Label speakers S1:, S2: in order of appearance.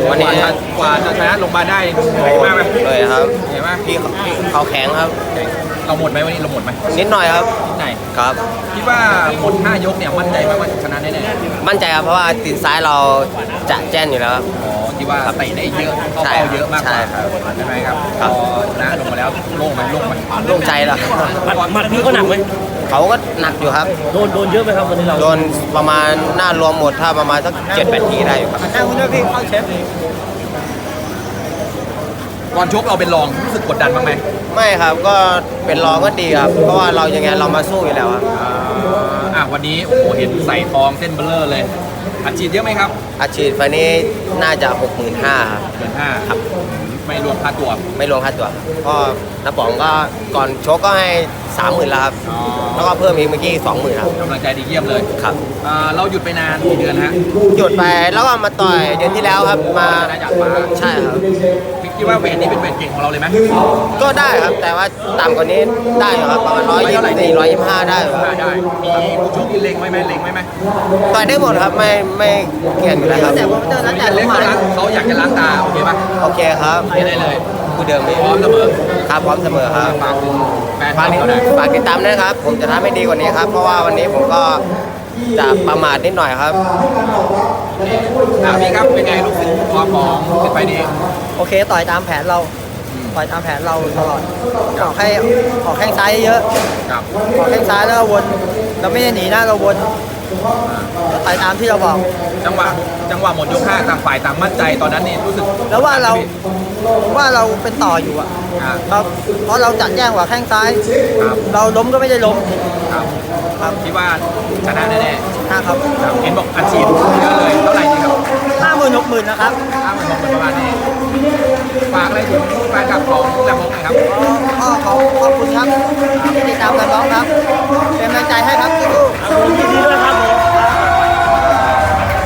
S1: วันนี้
S2: กว่าจะชนะลงมาได้เหนื่อยมากไหม
S1: เลยครับ
S2: เหนื่อยมาก
S1: พี่เขาแข็งครับ
S2: เราหมดไหมวันนี้เราหมดไหม
S1: นิดหน่อยครับ
S2: ไหน
S1: ครับ
S2: คิดว่าหมด5 ยกเนี่ยมั่นใจไหมว่าชนะแน่
S1: มั่นใจครับเพราะว่าตีนซ้ายเราจะแจ้นอยู่แล้วครับ
S2: ๆอ๋อคิดว่าเตะได้เยอะเข้า
S1: ใช่
S2: เป้าเยอะมากกว่า
S1: ใช่ครับ
S2: ใช่ไหมครับ
S1: ครับ
S2: พอชนะลงมาแล้วโล่งไหมโล่งไหม
S1: โล่งใจแล้ว
S3: หมัดพี่ก็หนักไหม
S1: เขาก็หนักอยู่ครับ
S3: โดนเยอะไหมครับวันนี้เรา
S1: โดนประมาณหน้ารวมหมดถ้าประมาณสัก7-8 ทีได้อยู่ครับ
S3: แค่คุณด้วยพี่เข้าเชฟ
S2: ก่อนชกเราเป็นรองรู้สึกกดดันบ้างไหม
S1: ไม่ครับก็เป็นรองก็ดีครับ เพราะว่าเรายังไงเรามาสู้อยู่แล้วครับ
S2: วันนี้โอ้โหเห็นใส่ทองเส้นเบลเลอร์เลยอัดฉีดเยอะไหมครับ
S1: อาชีพไฟล์นี้น่าจะ 65,000ครับ
S2: เกิน5
S1: ครับ
S2: ไม่รวมค่าตัว
S1: ไม่รวมค่าตัวก็น้าป๋องก็ก่อนชกก็ให้ 30,000แล้วครับแล้วก็เพิ่มอีกเมื่อกี้20,000ครับ
S2: กำลังใจดีเยี่ยมเลย
S1: ครับ
S2: เราหยุดไปนานกี่เดือนฮะ
S1: หยุดไปแล้วก็มาต่อยเดือนที่แล้วครับมา
S2: ชนะจากฟ้า
S1: ใช่ครับ
S2: คิดว่าเวทนี้เป็นเวทเก่งของเราเลยไหม
S1: ก็ได้ครับแต่ว่าต่ำกว่านี้ได้อยู่ครับประมาณ124-125ได้อยู่ครับ
S2: ได้มีผู้ชกที่เล็งไว้ไหมเล็งไว้ไหม
S1: ต่อยได้หมดครับไม่เกี่ยงอยู่แล้วครับ
S2: เล็งเขาอยากจะล้างตาโอเคปะ
S1: โอเคครับ
S2: โอเคได้เลย
S1: ผู้เดิมนี้
S2: พร้อมเสมอ
S1: ครับพร้อมเสมอครับ
S2: ฝากถึงแฟน
S1: ฝาก
S2: เขาหน่อย
S1: ฝากติดตามด้วยนะครับ ผมจะทำให้ดีกว่านี้ครับ เพราะว่าวันนี้ผมก็จะประมาทนิดหน่อยครับ
S2: พี่ครับเป็นไงลูกศิษย์ความของเป็นไปดี
S3: โอเคต่อยตามแผนเราต่อยตามแผนเราตลอดออกแข้งซ้ายเยอะ
S2: ครับ
S3: ออกแข้งซ้ายแล้วก็วนเราไม่ได้หนีนะเราวนต่อยตามที่เราบอก
S2: จังหวะหมดยก5ต่างฝ่ายต่างมั่นใจตอนนั้นนี่รู้สึก
S3: แล้วว่าเราเป็นต่ออยู่อะ
S2: อ่า
S3: ครับเพราะเราจัดแย่งกว่าแข้งซ้าย
S2: ครับ
S3: เราล้มก็ไม่ได้ล้ม
S2: ครับ
S3: ครับ
S2: คิดว่าชนะแน่
S3: นะครับ
S2: ๆครับเห็นบอกอัดฉีดเยอะเลยเท่าไหร่ดีครับ
S3: 50,000-60,000นะครับ
S2: 50,000ประมาณนี้ฝากอะไรถึงแฟนคลับของแลมโบ้หน่อยครับ
S3: ก็ขอบคุณครับที่ติดตามกันบ้างครับเป็นกำลังใจให้ครับ